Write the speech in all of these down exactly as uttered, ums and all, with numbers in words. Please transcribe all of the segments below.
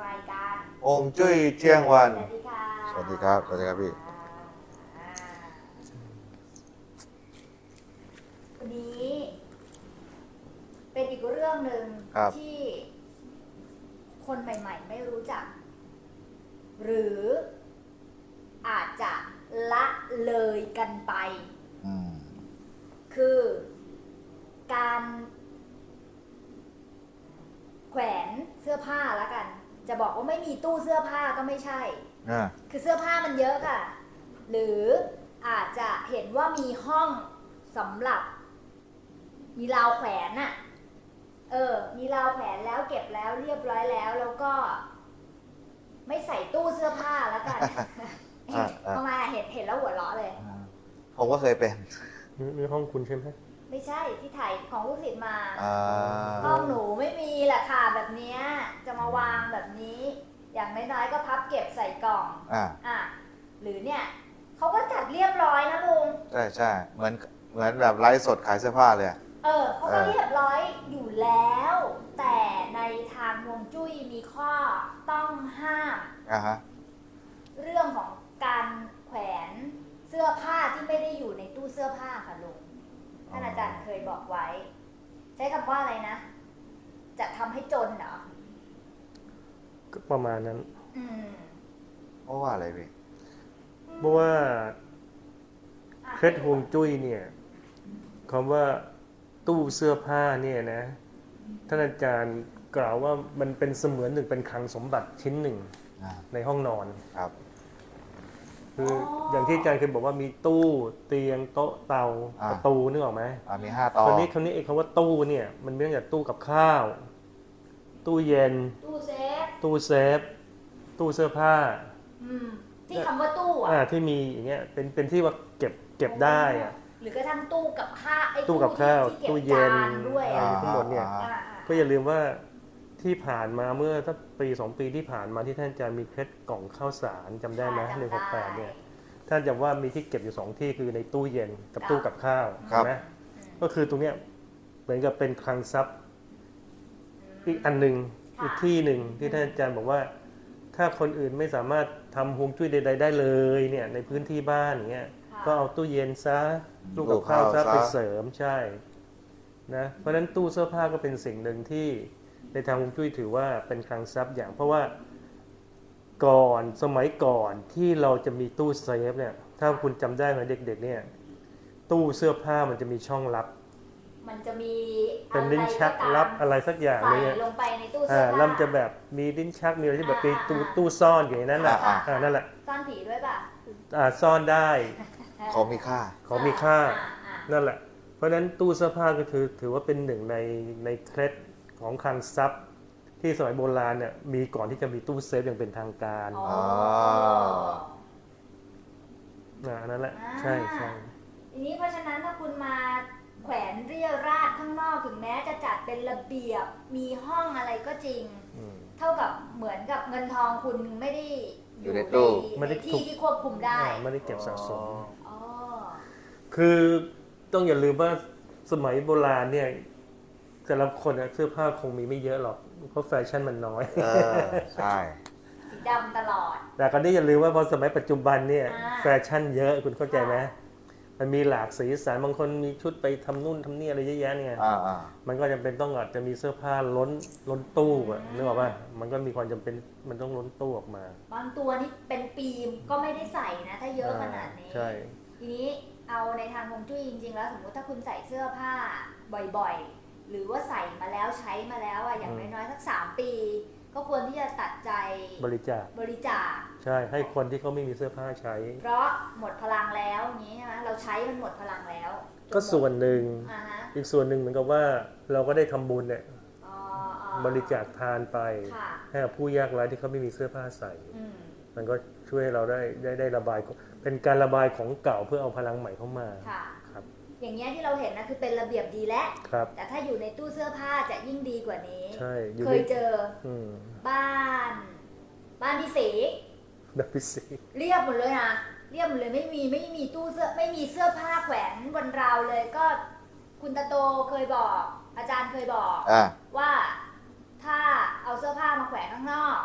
รายการฮวงจุ้ยเที่ยงวันสวัสดีค่ะสวัสดีครับสวัสดีครับพี่วันนี้เป็นอีกเรื่องหนึ่งที่คนใหม่ๆไม่รู้จักหรืออาจจะละเลยกันไปคือการแขวนเสื้อผ้าแล้วกันจะบอกว่าไม่มีตู้เสื้อผ้าก็ไม่ใช่คือเสื้อผ้ามันเยอะค่ะหรืออาจจะเห็นว่ามีห้องสำหรับมีราวแขวนน่ะเออมีราวแขวนแล้วเก็บแล้วเรียบร้อยแล้วแล้วก็ไม่ใส่ตู้เสื้อผ้าแล้วกันทำไมเห็นเห็นแล้วหัวเราะเลยผมก็เคยเป็นนี่ห้องคุณใช่ไหมไม่ใช่ที่ถ่ายของลูกศิษย์มาห้องหนูไม่มีแหละค่ะแบบนี้จะมาวางแบบนี้อย่างน้อยๆก็พับเก็บใส่กล่องอ่าอ่ะหรือเนี่ยเขาก็จัดเรียบร้อยนะลุงใช่ใช่เหมือนเหมือนแบบไลฟ์สดขายเสื้อผ้าเลยเออเขาก็เรียบร้อยอยู่แล้วแต่ในทางฮวงจุ้ยมีข้อต้องห้ามอ่าฮะเรื่องของการแขวนเสื้อผ้าที่ไม่ได้อยู่ในตู้เสื้อผ้าค่ะลุงท่านอาจารย์เคยบอกไว้ใช้คำว่าอะไรนะจะทำให้จนเหรอก็ประมาณนั้นอืมเพราะว่าอะไรพี่เพราะว่าเคล็ดฮวงจุ้ยเนี่ยคำว่าตู้เสื้อผ้าเนี่ยนะท่านอาจารย์กล่าวว่ามันเป็นเสมือนหนึ่งเป็นคลังสมบัติชิ้นหนึ่งในห้องนอนครับคืออย่างที่อาจารย์เคยบอกว่ามีตู้เตียงโต๊ะเตาประตูนึกออกไหมมีห้าต่อคราวนี้คราวนี้ไอ้คำว่าตู้เนี่ยมันมีตั้งแต่ตู้กับข้าวตู้เย็นตู้เซฟตู้เซฟตู้เสื้อผ้าที่คำว่าตู้อ่ะที่มีอย่างเงี้ยเป็นเป็นที่ว่าเก็บเก็บได้อ่ะหรือกระทั่งตู้กับข้าวไอ้ตู้กับข้าวตู้เย็นด้วยทั้งหมดเนี่ยก็อย่าลืมว่าที่ผ่านมาเมื่อสักปีสองปีที่ผ่านมาที่ท่านอาจารย์มีเคล็ดกล่องข้าวสารจำได้ไหมหนึ่งหกแปดเนี่ยท่านจำว่ามีที่เก็บอยู่สองที่คือในตู้เย็นกับตู้กับข้าวใช่ไหมก็คือตรงเนี้ยเหมือนกับเป็นคลังทรัพย์อีกอันหนึ่งอีกที่หนึ่งที่ท่านอาจารย์บอกว่าถ้าคนอื่นไม่สามารถทำฮวงจุ้ยใดๆได้เลยเนี่ยในพื้นที่บ้านอย่างเงี้ยก็เอาตู้เย็นซะตู้กับข้าวซะไปเสริมใช่นะเพราะฉะนั้นตู้เสื้อผ้าก็เป็นสิ่งหนึ่งที่ในทางฮวงจุ้ยถือว่าเป็นคลังทรัพย์อย่างเพราะว่าก่อนสมัยก่อนที่เราจะมีตู้เซฟเนี่ยถ้าคุณจำได้ไหมเด็กๆเนี่ยตู้เสื้อผ้ามันจะมีช่องลับมันจะมีเป็นลิ้นชักลับอะไรสักอย่างเลยลงไปในตู้เสื้อผ้าแล้วมันจะแบบมีลิ้นชักมีอะไรที่แบบเป็นตู้ตู้ซ่อนอยู่ในนั้นแหละนั่นแหละซ่อนผีด้วยป่ะอ่าซ่อนได้ของมีค่าของมีค่านั่นแหละเพราะฉะนั้นตู้เสื้อผ้าก็คือถือว่าเป็นหนึ่งในในเคล็ดของคลังทรัพย์ที่สมัยโบราณเนี่ยมีก่อนที่จะมีตู้เซฟอย่างเป็นทางการอ๋อนั่นแหละใช่ใช่ทีนี้เพราะฉะนั้นถ้าคุณมาแขวนเรียราดข้างนอกถึงแม้จะจัดเป็นระเบียบมีห้องอะไรก็จริงเท่ากับเหมือนกับเงินทองคุณไม่ได้อยู่ในตู้ในที่ที่ควบคุมได้ไม่ได้เก็บสะสมคือต้องอย่าลืมว่าสมัยโบราณเนี่ยแต่ละคนเสื้อผ้าคงมีไม่เยอะหรอกเพราะแฟชั่นมันน้อยใช่สีดำตลอดแต่ก็ได้อย่าลืมว่าพอสมัยปัจจุบันเนี่ยแฟชั่นเยอะคุณเข้าใจไหมมันมีหลากสีสันบางคนมีชุดไปทำนู่นทำนี่อะไรเยอะแยะเนี่ยมันก็จำเป็นต้องอาจจะมีเสื้อผ้าล้นล้นตู้อ่ะนึกออกป่ะมันก็มีความจำเป็นมันต้องล้นตู้ออกมาบางตัวนี่เป็นปีก็ไม่ได้ใส่นะถ้าเยอะขนาดนี้ใช่ทีนี้เอาในทางฮวงจุ้ยจริงๆแล้วสมมติถ้าคุณใส่เสื้อผ้าบ่อยๆหรือว่าใส่มาแล้วใช้มาแล้วอ่ะอย่างน้อยๆสักสามปีก็ควรที่จะตัดใจบริจาคบริจาคใช่ให้คนที่เขาไม่มีเสื้อผ้าใช้เพราะหมดพลังแล้วอย่างนี้ใช่ไหมเราใช้มันหมดพลังแล้วก็ส่วนหนึ่งอีกส่วนหนึ่งเหมือนกับว่าเราก็ได้ทำบุญเนี่ยบริจาคทานไปให้กับผู้ยากไร้ที่เขาไม่มีเสื้อผ้าใส่มันก็ช่วยให้เราได้ได้ได้ระบายเป็นการระบายของเก่าเพื่อเอาพลังใหม่เข้ามาครับอย่างเงี้ยที่เราเห็นนะคือเป็นระเบียบดีแล้วแต่ถ้าอยู่ในตู้เสื้อผ้าจะยิ่งดีกว่านี้เคยเจอบ้านบ้านพี่ศรีบ้านพี่ศรีเรียบหมดเลยนะเรียบหมดเลยไม่มีไม่มีตู้เสื้อไม่มีเสื้อผ้าแขวนบนราวเลยก็คุณตาโตเคยบอกอาจารย์เคยบอกว่าถ้าเอาเสื้อผ้ามาแขวนข้างนอก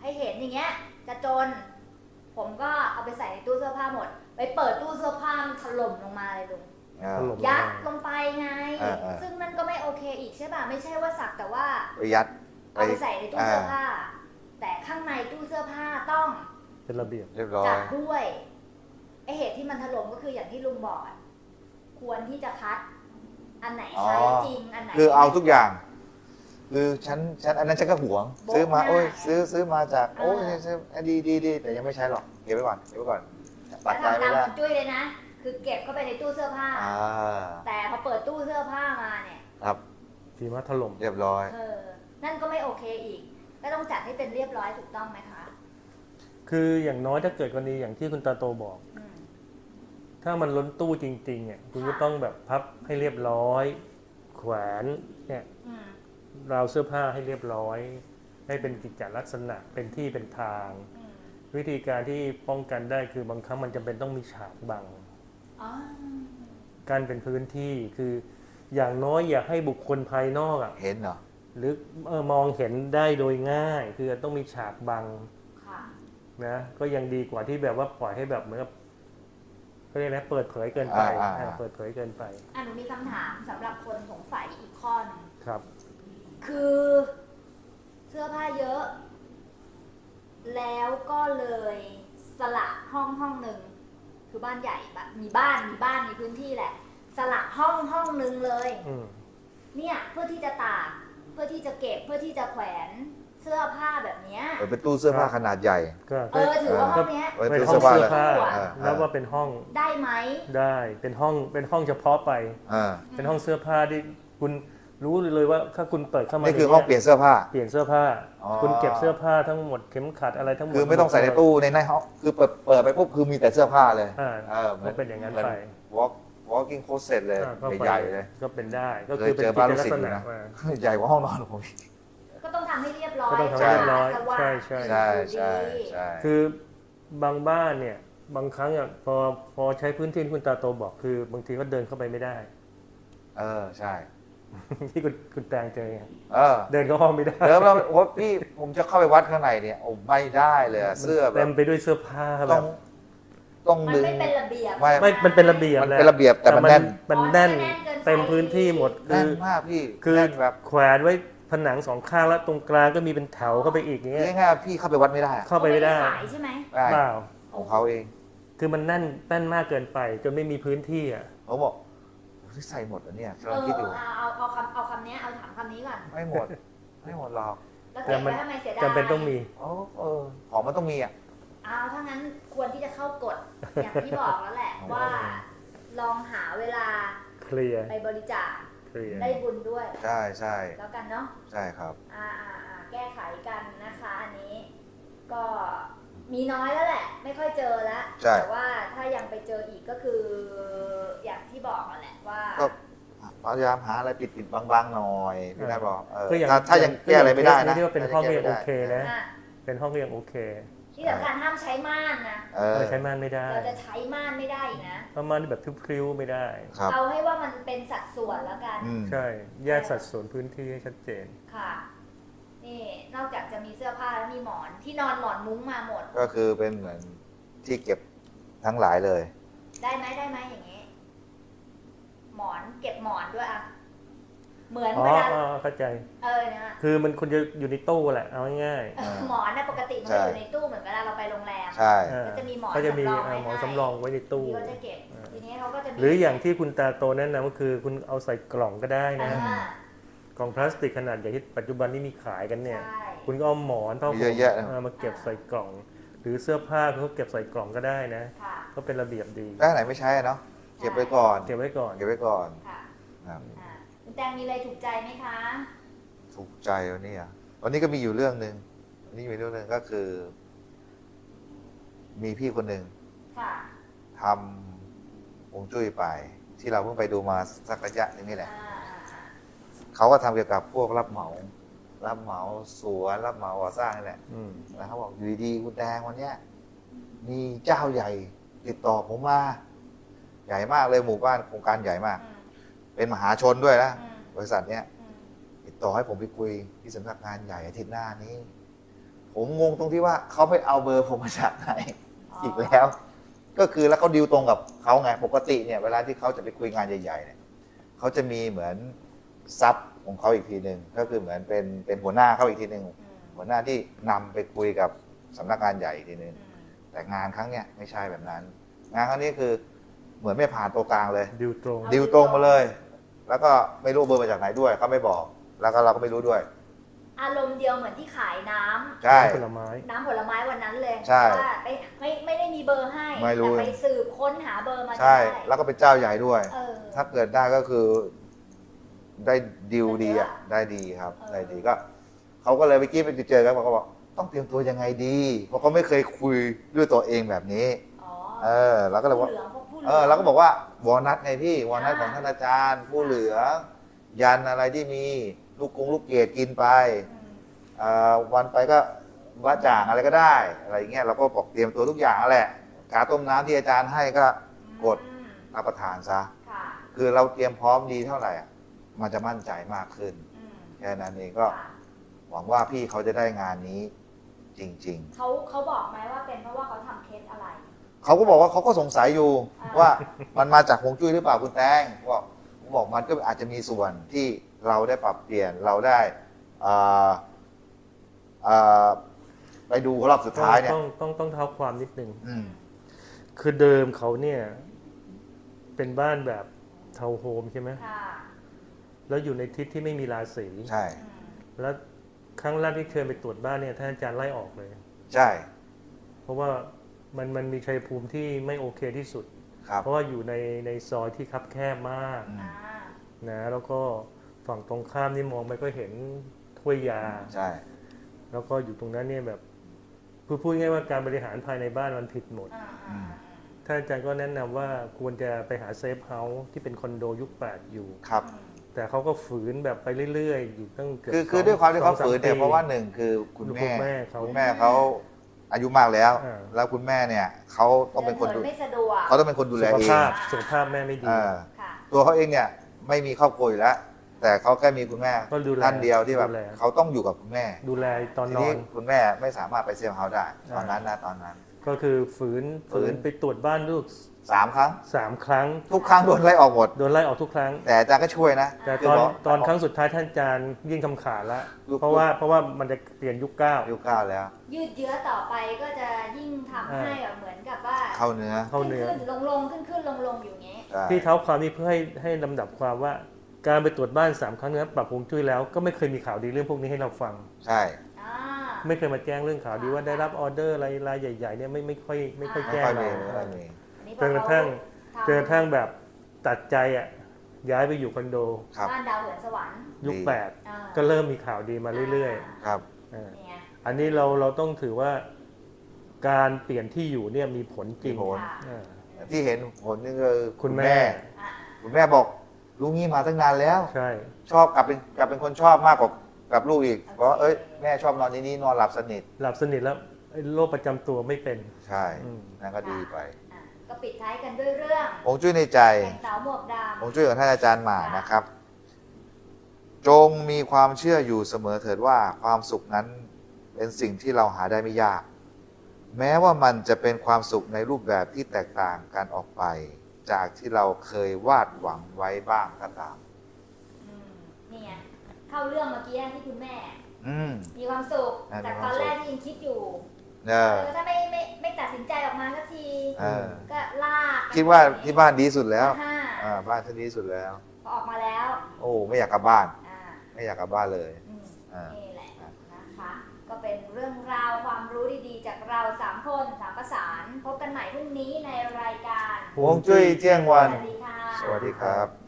ให้เห็นอย่างเงี้ยจะจน ผมก็เอาไปใส่ในตู้เสื้อผ้าหมด ไปเปิดตู้เสื้อผ้ามันถล่มลงมาเลยลุงอ่าถล่มยัดลงไปไงอ่าอ่าซึ่งมันก็ไม่โอเคอีกใช่ป่ะไม่ใช่ว่าสักแต่ว่าไปยัดเอาไปใส่ในตู้เสื้อผ้า แต่ข้างในตู้เสื้อผ้าต้องเป็นระเบียบเรียบร้อจัยดด้วยไอเหตุที่มันถล่มก็คืออย่างที่ลุงบอกอะควรที่จะคัด อันไหนใช้อ๋อจริงอันไหนคือเอาทุกอย่าง คือฉันฉันอันนั้นฉันก็หวงโบ๊ะซื้อมาหน้าโอ้ยซื้อซื้อมาจากอ่าโอ้ยซื้อดีดีดีแต่ยังไม่ใช้หรอกเก็บไว้ก่อนเก็บไว้ก่อนปัดแล้วใจทำไม่ตามได้ของจุ้ยเลยนะ คือเก็บเข้าไปในตู้เสื้อผ้าอ่าแต่พอเปิดตู้เสื้อผ้ามาเนี่ยครับทีมาถล่มเรียบร้อยเออ นั่นก็ไม่โอเคอีก ก็ต้องจัดให้เป็นเรียบร้อยถูกต้องไหมคะคืออย่างน้อยถ้าเกิดกรณีอย่างที่คุณตาโตบอกอืมถ้ามันล้นตู้จริงๆเนี่ยคุณก็ค่ะต้องแบบพับให้เรียบร้อย แขวนเนี่ยอืมราวเสื้อผ้าให้เรียบร้อย ให้เป็นกิจจลักษณะเป็นที่เป็นทางอืมวิธีการที่ป้องกันได้คือบางครั้งมันจำเป็นต้องมีฉากบังอ๋อการเป็นพื้นที่คืออย่างน้อยอย่าให้บุคคลภายนอกอ่ะเห็นเหรอหรือเออมองเห็นได้โดยง่าย คือต้องมีฉากบังค่ะนะก็ยังดีกว่าที่แบบว่าปล่อยให้แบบเหมือนกับเขาเรียกนะเปิดเผยเกินไปอ่าอ่าอ่าเปิดเผยเกินไปอ่ะหนูมีคำถามสำหรับคนสงสัยอีกข้อหนึงครับคือเสื้อผ้าเยอะ แล้วก็เลยสละห้องห้องหนึ่งคือบ้านใหญ่บะมีบ้านมีบ้านมีพื้นที่แหละ สละห้องห้องหนึ่งเลยอืมเนี่ยเพื่อที่จะตากเพื่อที่จะเก็บเพื่อที่จะแขวนเสื้อผ้าแบบเนี้ยเออเป็นตู้เสื้อผ้าขนาดใหญ่ก็เออถือว่าห้องเนี้ยไว้เป็นตู้ห้อเสื้งอผ้าเสื้อเลยผ้าอ่าแล้วว่าเป็นห้องได้ไหมได้เป็นห้องเป็นห้องเฉพาะไปอ่าเป็นห้องเสื้อผ้าที่คุณรู้เลยว่าถ้าคุณเปิดเข้ามานี่คือให้องเปลี่ยนเสื้อผ้าเปลี่ยนเสื้อผ้าอ๋อคุณเก็บเสื้อผ้าทั้งหมดเข็มขัดอะไรทั้งหมดคือไม่ต้องใส่ในตู้ในในห้องคือเปิดเปิดไปปุ๊บคือมีแต่เสื้อผ้าเลยอ่าเออหมืก็เป็นอย่างนั้นหมืไป walk walking closet เลยอ่าก็ไปใหญ่ๆเลยก็เป็นได้ก็เคคืยอเป็นเจอกิบ้านจลูกลักศิษษย์อยู่ณะนะอ่าใหญ่กว่าห้องนอนของผมอีกก็ต้องทำให้เรียบร้อยก็ต้องทำให้เรียบร้อยสว่างใช่ใช่ใช่ดูใช่ดีใช่คือบางบ้านเนี่ยบางครั้งอ่ะพอพอใช้พื้นที่ที่คุณตาโตบอกคือบางทีก็เดินเข้าไปไม่ได้เออใช่ที่คุณคุณแตงเจอไงเออเดินเข้าห้องไม่ได้เดิมแล้วโอ้พี่ผมจะเข้าไปวัดข้างในเนี่ยโอ้ไม่ได้เลยอะเสื้อแบเต็บมไปด้วยเสื้อผ้าแบต้องบต้องมันดึงไม่เป็นระเบียบไม่ไม่มันเป็นระเบียบมันแหละเป็นระเบียบแต่มันแน่นมันแน่นอ๋อมันแน่นเกินไปเต็มพื้นที่หมดคืแน่อนมากพี่คือแน่นแบบแขวนไว้ผนังสองข้างแล้วตรงกลางก็มีเป็นแถวเข้าไปอีกอย่างเงี้ยง่ายๆพี่เข้าไปวัดไม่ได้อะเข้าไปไม่ได้สายใช่ไหมได้เปล่าของเขาเองคือมันแน่นแน่นมากเกินไปจนไม่มีพื้นที่อ่ะเขาบอกที่ใส่หมดเหรอเนี่ยเอกำลังคิดอยู่อเอาเอาเอาคำเอาคำนี้เอาถามคำนี้ก่อนไม่หมด ไม่หมดหรอกแล้วเก็บไว้ทำไมเสียดายจำเป็นต้องมีโอ้เออของมันต้องมีอ่ะเอาถ้างั้นควรที่จะเข้ากฎ อย่างที่บอกแล้วแหละอ๋อว่าลองหาเวลาเคลียร์ไปบริจาคเคลียร์ได้บุญด้วยใช่ใช่แล้วกันเนาะใช่ครับอ่าอ่าอ่าแก้ไขกันนะคะ อันนี้ ก็มีน้อยแล้วแหละ ไม่ค่อยเจอแล้วใช่แต่ว่าถ้ายังไปเจออีกก็คือ อย่างที่บอกนั่นแหละว่าก็พยายามหาอะไรปิดปิดๆบางๆหน่อยพี่นายบอกเออก็อย่างถ้าถ้ายังแก้อะไรไม่ได้นะที่ว่าเป็นห้องก็ยังโอเคนะอ่ะเป็นห้องก็ยังโอเคที่สำคัญห้ามใช้ม่านนะเออเราใช้ม่านไม่ได้เราจะใช้ม่านไม่ได้อีกนะประมาณแบบพริ้วๆไม่ได้ครับเอาให้ว่ามันเป็นสัดส่วนแล้วกันอืมใช่แยกสัดส่วนพื้นที่ให้ชัดเจนค่ะ นี่นอกจากจะมีเสื้อผ้าแล้วมีหมอนที่นอนหมอนมุ้งมาหมดก็คือเป็นเหมือนที่เก็บทั้งหลายเลยได้ไหมได้ไหมอย่างนี้ หมอนเก็บหมอนด้วยอะเหมือนอ๋อเวลาอ๋อเข้าใจเออนะคือมันควรจะอยู่ในตู้แหละเอาง่ายเออหมอนนะปกติมันจะอยู่ในตู้เหมือนเวลาเราไปโรงแรมใช่ๆเออก็จะมีหมอนก็จะมีสำรองไว้เอ่อหมอนให้สำรองไว้ในตู้ที่เขาจะเก็บเออทีนี้เขาก็จะมีหรืออย่างที่คุณตาโตแนะนำก็คือคุณเอาใส่กล่องก็ได้นะอ่ากล่องพลาสติกขนาดใหญ่ที่ปัจจุบันนี้มีขายกันเนี่ยใช่คุณก็เอาหมอนผ้ามีห่เยมอะแยะนะเออมาเก็บใส่กล่อง หรือเสื้อผ้าคุณก็เก็บใส่กล่องก็ได้นะค่ะก็เป็นระเบียบดีถ้าไหนไม่ใช้อะเนาะเก็บไว้ก่อนเก็บไว้ก่อนเก็บไว้ก่อนค่ะครับอ่าคุณแตงมีอะไรถูกใจไหมคะถูกใจวันนี้อ่ะวันนี้ก็มีอยู่เรื่องหนึ่งวันนี้มีเรื่องหนึ่งก็คือ มีพี่คนหนึ่งค่ะทำฮวงจุ้ยไป ที่เราเพิ่งไปดูมาสักระยะหนึงนี่แหละอ่าอ่าอ่าเขาก็ทำเกี่ยวกับพวกรับเหมา รับเหมาสวนรับเหมาก่อสร้างนี่แหละอืมแล้วเขาบอกอยู่ดีๆคุณแดงวันเนี้ยมีเจ้าใหญ่ ติดต่อผมมา ใหญ่มากเลยหมู่บ้านโครงการใหญ่มากอืมเป็นมหาชนด้วยนะอืมบริษัทเนี้ยอืมติดต่อให้ผมไปคุยที่สำนักงานใหญ่อาทิตย์หน้านี้ ผผมงงตรงที่ว่าเขาไปเอาเบอร์ผมมาจากไหนอีกแล้ว ก็คือแล้วเขาดีลตรงกับเขาไงปกติเนี่ยเวลาที่เขาจะไปคุยงานใหญ่ๆเนี่ยเขาจะมีเหมือนซับของเขาอีกทีหนึ่งก็คือเหมือนเป็นเป็นหัวหน้าเขาอีกทีหนึ่งหัวหน้าที่นำไปคุยกับสำนักงานใหญ่อีกทีหนึ่งแต่งานครั้งเนี้ยไม่ใช่แบบนั้น งานครั้งนี้คือเหมือนไม่ผ่านตัวกลางเลยดิวตรงดิวตรงมาเลย แล้วก็ไม่รู้เบอร์มาจากไหนด้วยเขาไม่บอก แล้วก็เราก็ไม่รู้ด้วยอารมณ์เดียวเหมือนที่ขายน้ำใช่ผลไม้น้ำผลไม้วันนั้นเลยใช่ว่าไม่ไม่ไม่ได้มีเบอร์ให้ไม่รู้แต่ไปสืบค้นหาเบอร์มาใช่ได้แล้วก็เป็นเจ้าใหญ่ด้วยเออถ้าเกิดได้ก็คือได้ดิวดีอ่ะได้เยอะได้ดีครับเออได้ดีก็เขาก็เลยไปกี้ไปเจอกันเขาก็บอกต้องเตรียมตัวยังไงดี เพราะเขาไม่เคยคุยด้วยตัวเองแบบนี้อ๋อเออเราก็เลยผู้ว่าเหลืองพวกผู้เหลืเออเราก็บอกว่าวอลนัทไงพี่วอลนัทของท่านอาจารย์ ผู้เหลืองยันอะไรที่มีลูกกงลูกเกดกินไปอืมอ่าวันไปก็ว่าจ่างอะไรก็ได้อะไรอย่างเงี้ยเราก็บอกเตรียมตัวทุกอย่างนั่นแหละกาต้มน้ำที่อาจารย์ให้ก็กดอืมรับประทานซะค่ะคือเราเตรียมพร้อมดีเท่าไหร่อะมันจะมั่นใจมากขึ้นอืมแค่นั้นเองก็ค่ะหวังว่าพี่เขาจะได้งานนี้จริงเขาเขาบอกไหมว่าเป็นเพราะว่าเขาทำเคสอะไรๆ เขาก็บอกว่าเขาก็สงสัยอยู่อ่าว่ามันมาจากฮวงจุ้ยหรือเปล่าคุณแตงบอกผมบอกมันก็อาจจะมีส่วนที่เราได้ปรับเปลี่ยนเราได้อ่าอ่าไปดูรอบสุดท้ายเนี่ยต้องต้องต้องเท้าความนิดนึงอืมคือเดิมเขาเนี่ยเป็นบ้านแบบทาวน์โฮมใช่ไหมค่ะแล้วอยู่ในทิศที่ไม่มีราศีใช่อืมแล้วครั้งแรกที่เชิญไปตรวจบ้านเนี่ยท่านอาจารย์ไล่ออกเลยใช่เพราะว่ามันมันมีชัยภูมิที่ไม่โอเคที่สุดครับเพราะว่าอยู่ในในซอยที่คับแคบมากอืมอ่านะแล้วก็ฝั่งตรงข้ามนี่มองไปก็เห็นถ้วยยาใช่แล้วก็อยู่ตรงนั้นเนี่ยแบบพูดพูดง่ายๆว่าการบริหารภายในบ้านมันผิดหมดอ่าอ่าท่านอาจารย์ก็แนะนำว่าควรจะไปหาเซฟเฮาส์ที่เป็นคอนโดยุคแปดอยู่ครับอืมแต่เขาก็ฝืนแบบไปเรื่อยๆ อยู่ตั้งเกือบคือคือสงด้วยความที่เขาสองสฝืนเนี่ยปีเพราะว่าหนึ่งคือคุณคุณแม่แม่เขาคุณแม่เขาอายุมากแล้วอ่าแล้วคุณแม่เนี่ยเขาต้องเป็นคนดูดิไม่สะดวกเขาต้องเป็นคนดูแลสุขเองภาพสุขภาพแม่ไม่ดีอ่าค่ะตัวเขาเองเนี่ยไม่มีครอบครัวอยู่แล้ว แต่เขาแค่มีคุณแม่ก็ดูแลท่านเดียวที่แบบดูแลเขาต้องอยู่กับคุณแม่ดูแลตอนทีนอนี้นคุณแม่ไม่สามารถไปเซฟเฮาส์ได้ ตอนนั้นอ่านะตอนนั้นก็คือฝืนฝืฝืนนไปตรวจบ้านลูกสามครั้งสามครั้งทุกครั้งโดนไล่ออกหมดโดนไล่ออกทุกครั้งแต่อาจารย์ก็ช่วยนะแต่คืตอนบกตอนครั้งสุดท้ายท่านอาจารย์ยื่นคำขาดแล้วยุคเพราะว่าเพราะว่ามันจะเปลี่ยนยุคเก้าอายุเก้าแล้วยืดเยื้อต่อไปก็จะยิ่งทำให้แบบเหมือนกับว่าเข้าเนื้อเข้าเนื้อขึ้นลงลงขึ้นขึ้นลงลงอยู่อย่างเงี้ยใช่ที่เท้าความนี้เพื่อให้ให้ลำดับความว่า การไปตรวจบ้านสามครั้งเนี้ปรับฮวงจุ้ยแล้วก็ไม่เคยมีข่าวดีเรื่องพวกนี้ให้เราฟังใช่อ่าไม่เคยมาแจ้งเรื่องข่าวดีว่าได้รับออเดอร์อะไรรายใหญ่ๆเนี่ยไม่ไม่ค่อยไม่ค่อยไม่แจ้งค่อยเรามีไม่ค่อยมีอันนี้จนกระทั่งพอจนกระทั่งแบบตัดใจอ่ะย้ายไปอยู่คอนโดครับบ้านดาวเหินสวรรค์ยุคดีแปดอ่าก็เริ่มมีข่าวดีมาเรื่อยครับๆอ่านี่ไงอันนี้เราเราต้องถือว่าการเปลี่ยนที่อยู่เนี่ยมีผลจริงมีผลค่ะอ่าที่เห็นผลนี่คือคุณแม่อ่าคุณแม่บอกลูกงี้มาตั้งนานแล้วใช่ชอบกลับเป็นกลับเป็นคนชอบมากกว่ากับลูกอีกเพราะว่าเอ้ยแม่ชอบนอนที่นี่นอนหลับสนิทหลับสนิทแล้วไอ้โรคประจำตัวไม่เป็นใช่อืมนั่นก็ดีไปอ่ะก็ปิดท้ายกันด้วยเรื่องฮวงจุ้ยในใจแข่งสาวหมวกดฮวงจุ้ยของท่านอาจารย์หมานะครับ จงมีความเชื่ออยู่เสมอเถิดว่าความสุขนั้นเป็นสิ่งที่เราหาได้ไม่ยาก แม้ว่ามันจะเป็นความสุขในรูปแบบที่แตกต่างกันออกไป จากที่เราเคยวาดหวังไว้บ้างก็ตามำอืมนี่ไงเข้าเรื่องเมื่อกี้ที่คุณแม่อืมมีความสุขอ่ะจากมีคตวาอมนสุขแรกที่ยังคิดอยู่เอเอออถ้าไม่ไม่ไม่ตัดสินใจออกมาสักทีเออก็ลากคิดว่าที่บ้านดีสุดแล้วห้าอ่าบ้านที่ดีสุดแล้วพอออกมาแล้วโอ้ไม่อยากกลับบ้านอ่าไม่อยากกลับบ้านเลยอืมอ่านี่แหละนะคะ ก็เป็นเรื่องราวความรู้ดีๆ จากเราสามคนสามประสาน พบกันใหม่พรุ่งนี้ในรายการฮวงจุ้ยเที่ยงวันสวัสดีค่ะสวัสดีครับ